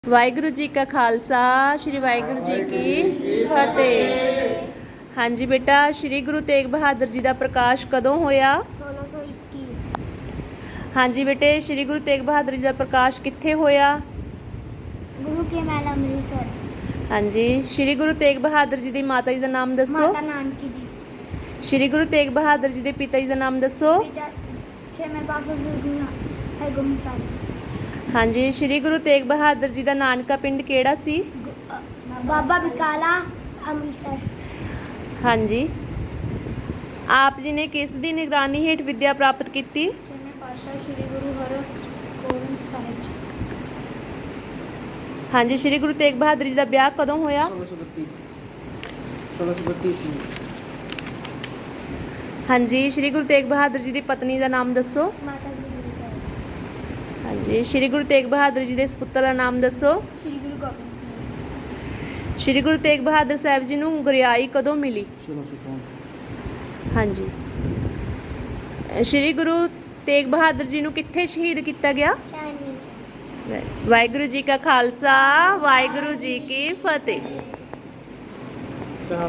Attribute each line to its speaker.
Speaker 1: ਵਾਹਿਗੁਰੂ ਜੀ ਕਾ ਖਾਲਸਾ ਸ਼੍ਰੀ ਵਾਹਿਗੁਰੂ ਜੀ ਕੀ ਫਤਿਹ। ਹਾਂਜੀ ਬੇਟਾ, ਸ਼੍ਰੀ ਗੁਰੂ ਤੇਗ ਬਹਾਦਰ ਜੀ ਦਾ ਪ੍ਰਕਾਸ਼ ਕਦੋਂ ਹੋਇਆ?
Speaker 2: 1621।
Speaker 1: ਹਾਂਜੀ ਬੇਟੇ, ਸ਼੍ਰੀ ਗੁਰੂ ਤੇਗ ਬਹਾਦਰ ਜੀ ਦਾ ਪ੍ਰਕਾਸ਼ ਕਿੱਥੇ ਹੋਇਆ?
Speaker 2: ਗੁਰੂ ਕੇ ਮਹਿਲ ਅੰਮ੍ਰਿਤਸਰ।
Speaker 1: ਹਾਂਜੀ, ਸ਼੍ਰੀ ਗੁਰੂ ਤੇਗ ਬਹਾਦਰ ਜੀ ਦੀ ਮਾਤਾ ਜੀ ਦਾ ਨਾਮ ਦੱਸੋ।
Speaker 2: ਮਾਤਾ ਨਾਨਕੀ ਜੀ।
Speaker 1: ਸ਼੍ਰੀ ਗੁਰੂ ਤੇਗ ਬਹਾਦਰ ਜੀ ਦੇ ਪਿਤਾ ਜੀ ਦਾ ਨਾਮ ਦੱਸੋ।
Speaker 2: ਪਿਤਾ ਛੇਵੇਂ ਪਾਤਸ਼ਾਹ ਗੁਰੂ ਹਰਗੋਬਿੰਦ ਸਾਹਿਬ ਜੀ।
Speaker 1: ਹਾਂਜੀ, ਸ਼੍ਰੀ ਗੁਰੂ ਤੇਗ ਬਹਾਦਰ ਜੀ ਦਾ ਨਾਨਕਾ ਪਿੰਡ ਕਿਹੜਾ ਸੀ?
Speaker 2: ਬਾਬਾ ਬਕਾਲਾ ਅੰਮ੍ਰਿਤਸਰ।
Speaker 1: ਹਾਂਜੀ, ਆਪ ਜੀ ਨੇ ਕਿਸ ਦੀ ਨਿਗਰਾਨੀ ਹੇਠ ਵਿੱਦਿਆ ਪ੍ਰਾਪਤ ਕੀਤੀ?
Speaker 2: ਛੇਵੇਂ ਪਾਤਸ਼ਾਹ ਸ੍ਰੀ ਗੁਰੂ ਹਰਗੋਬਿੰਦ ਸਾਹਿਬ ਜੀ।
Speaker 1: ਹਾਂਜੀ, ਸ਼੍ਰੀ ਗੁਰੂ ਤੇਗ ਬਹਾਦਰ ਜੀ ਦਾ ਵਿਆਹ ਕਦੋਂ ਹੋਇਆ?
Speaker 3: 1632 ਈਸਵੀ।
Speaker 1: ਹਾਂਜੀ, ਸ਼੍ਰੀ ਗੁਰੂ ਤੇਗ ਬਹਾਦਰ ਜੀ ਦੀ ਪਤਨੀ ਦਾ ਨਾਮ ਦੱਸੋ।
Speaker 2: ਮਾਤਾ ਗੁਜਰੀ ਕੌਰ ਜੀ।
Speaker 1: ਹਾਂਜੀ, ਸ਼੍ਰੀ ਗੁਰੂ ਤੇਗ ਬਹਾਦਰ ਜੀ ਦੇ ਸਪੁੱਤਰ ਦਾ ਨਾਮ ਦੱਸੋ।
Speaker 2: ਸ੍ਰੀ ਗੁਰੂ ਗੋਬਿੰਦ ਸਿੰਘ ਜੀ।
Speaker 1: ਸ਼੍ਰੀ ਗੁਰੂ ਤੇਗ ਬਹਾਦਰ ਸਾਹਿਬ ਜੀ ਨੂੰ ਗੁਰਿਆਈ ਕਦੋਂ ਮਿਲੀ?
Speaker 3: 1664।
Speaker 1: ਹਾਂਜੀ, ਸ਼੍ਰੀ ਗੁਰੂ ਤੇਗ ਬਹਾਦਰ ਜੀ ਨੂੰ ਕਿੱਥੇ ਸ਼ਹੀਦ ਕੀਤਾ ਗਿਆ?
Speaker 2: ਚਾਈਨੀਜ਼।
Speaker 1: ਵਾਹਿਗੁਰੂ ਜੀ ਕਾ ਖਾਲਸਾ ਵਾਹਿਗੁਰੂ ਜੀ ਕੀ ਫਤਿਹ।